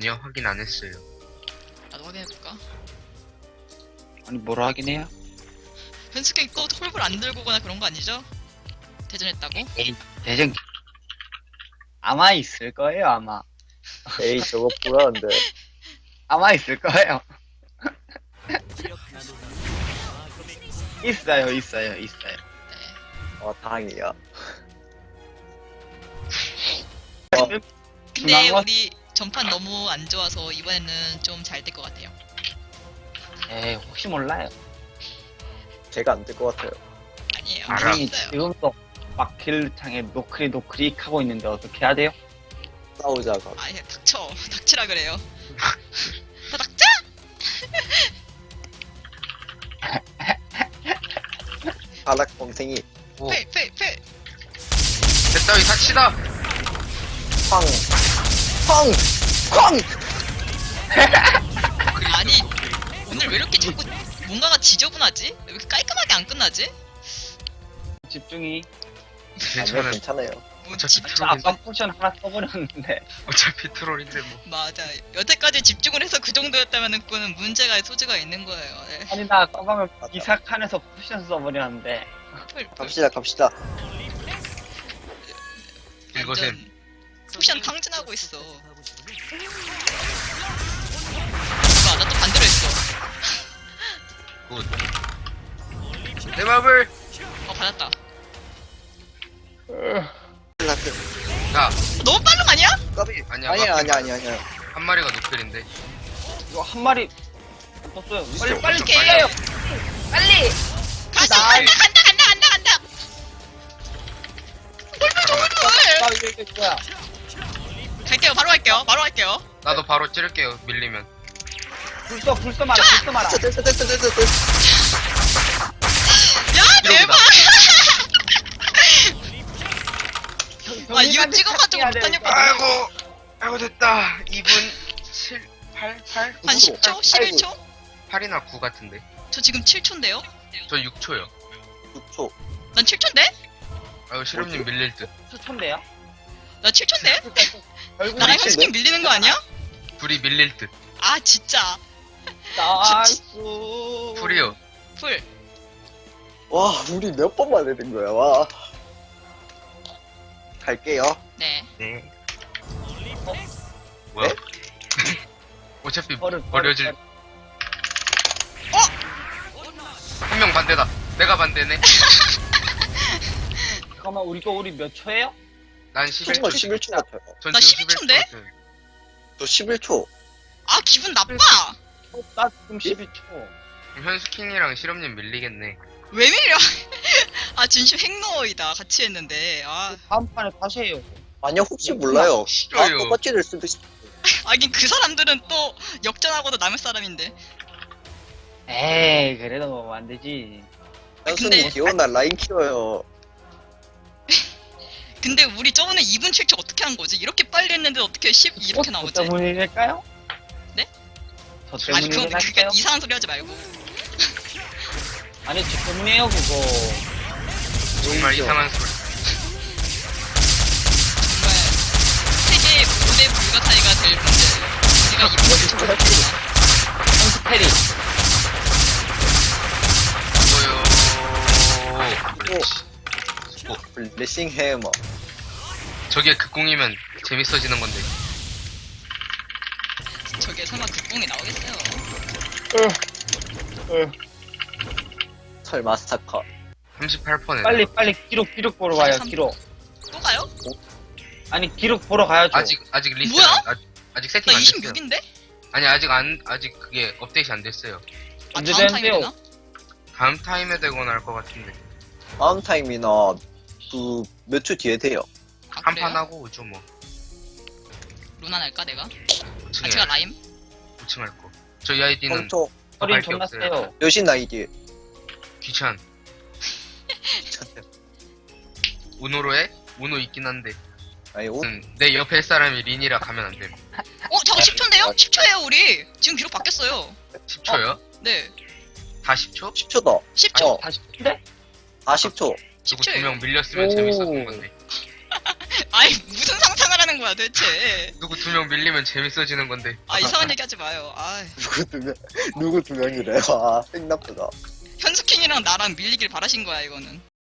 아니요, 확인 안 했어요. 나도 확인해볼까? 아니 뭐라 하긴 해요? 현숙이 또 홀불 안 들고 오거나 그런 거 아니죠? 대전했다고? 에이 대전 아마 있을 거예요 아마. 에이 저거 불안한데. 아마 있을 거예요. 있어요. 네. 다행이야. 근데 중요한 건- 우리 전판 너무 안 좋아서 이번에는 좀 잘 될 것 같아요. 에이 혹시 몰라요. 제가 안 될 것 같아요. 아니에요. 알아. 아니 알았어요. 지금도 막 길창에 노크릭 하고 있는데 어떻게 해야 돼요? 싸우자가. 아니 닥쳐. 닥치라 그래요. 다 닥쳐! 아락곰탱이 오, 패! 됐다, 이 닥치다! 쾅! 쾅! 쾅! 아니 오늘 왜 이렇게 자꾸 뭔가가 지저분하지? 왜 이렇게 깔끔하게 안 끝나지? 집중이. 아니요 괜찮아요. 괜찮아요. 뭐 어차피 집... 트롤인데. 아까 포션 하나 써버렸는데. 어차피 트롤인데 뭐. 맞아. 여태까지 집중을 해서 그 정도였다면 그거는 문제가 소지가 있는 거예요. 네. 아니 나 까방을 맞아. 기사 칸에서 포션 써버렸는데. 갑시다. 이것은 완전 포션 탕진하고 있어. 나 또 반대로 했어. 굿. 내 마블! 받았다. 라트. 야, 너무 빠른 거 아니야? 까비. 아니야, 아니야. 한 마리가 노플인데. 이거 한 마리 떴어요. 빨리 빨리 오케이. 빨리요. 빨리. 가서 나이. 간다. 나 이게 뭐야? 갈게요. 바로 갈게요. 나도 바로 찌를게요, 밀리면. 불써 마라. 됐어. 야 대박. 아 이거 경민한테 찍어가지고 해야 못하냐? 되니까. 아이고, 됐다. 2분 7, 8, 한 10초? 11초? 8이나 9 같은데. 저 지금 7초인데요? 저 6초요. 6초. 난 7초인데? 아이고, 실험님 밀릴 듯. 수천대요? 나 7초인데? 결국 나랑 미친데? 현숙이 밀리는 거 아니야? 둘이 밀릴 듯. 아 진짜. 나이스. 풀이요. 풀. 와 우리 몇 번만 해야 거야. 와. 갈게요. 네. 네. 뭐야? 네? 어차피 버릇, 버려질. 버릇. 한 명 반대다. 내가 반대네. 잠깐만 우리 몇 초예요? 난 총만 11초. 11초 같아요. 전 나 지금 12초 인데? 11초. 저 11초. 아 기분 나빠. 나 지금 12초. 그럼 현수킹이랑 실험님 밀리겠네. 왜 밀려? 아 진심 핵노이다. 같이 했는데. 아 다음 판에 다시 해요. 아니요 혹시 몰라요. 싫어요. 똑같이 될 수도 있어. 하긴 그 사람들은 또 역전하고도 남을 사람인데. 에이 그래도 안 되지. 현수님 귀여운 날 라인 키워요. 근데 우리 저번에 2분 7초 어떻게 한 거지? 이렇게 빨리 했는데 어떻게 10 이렇게 나오지? 저 때문일까요? 네? 저 아니 그건 때문일까요? 그러니까 이상한 소리 하지 말고. 아니 저 때문이에요 그거. 정말 보이죠? 이상한 소리. 정말 세계 무대 불가사의가 될 문제. 우리가 2분 7초 어떻게 했나? 현수 패리. 뭐요? 오. 블레싱 해머. 저게 극공이면 재밌어지는 건데. 저게 설마 극공이 나오겠어요? 설마 스타커. 38%네. 빨리 기록 보러 가요 43. 기록. 또 가요? 아니 기록 보러 가야죠. 아직 리스트 뭐야? 아직 나 세팅 안 됐어요. 26인데? 아니 아직 그게 업데이트 안 됐어요. 아 언제 다음 타임에 되는데요? 되나? 다음 타임에 되거나 할 것 같은데. 다음 타임이나 그 몇 초 뒤에 돼요. 아, 한 그래요? 판 하고 오죠 뭐. 루나 날까 내가? 아 5층에 제가 라임? 5층 할 거. 저희 아이디는 3초. 허리 할게 존나 없어요. 세요. 여신 아이디. 귀찮. 우노로 해? 우노 있긴 한데. 아니 오. 내 옆에 할 사람이 린이라 가면 안 됨. 저거 10초인데요? 10초예요 우리. 지금 기록 바뀌었어요. 10초요? 네. 다 10초? 10초다. 10초. 어. 다시 근데 40초. 누구 10초예요. 2명 밀렸으면 오. 재밌었던 건데. 아이 무슨 상상을 하는 하는 거야 도대체? 누구 2명 밀리면 재밌어지는 건데. 아 이상한 얘기 하지 마요. 아 누구 두 명이래. 아, 생 나쁘다. 현수킹이랑 나랑 밀리길 바라신 거야 이거는.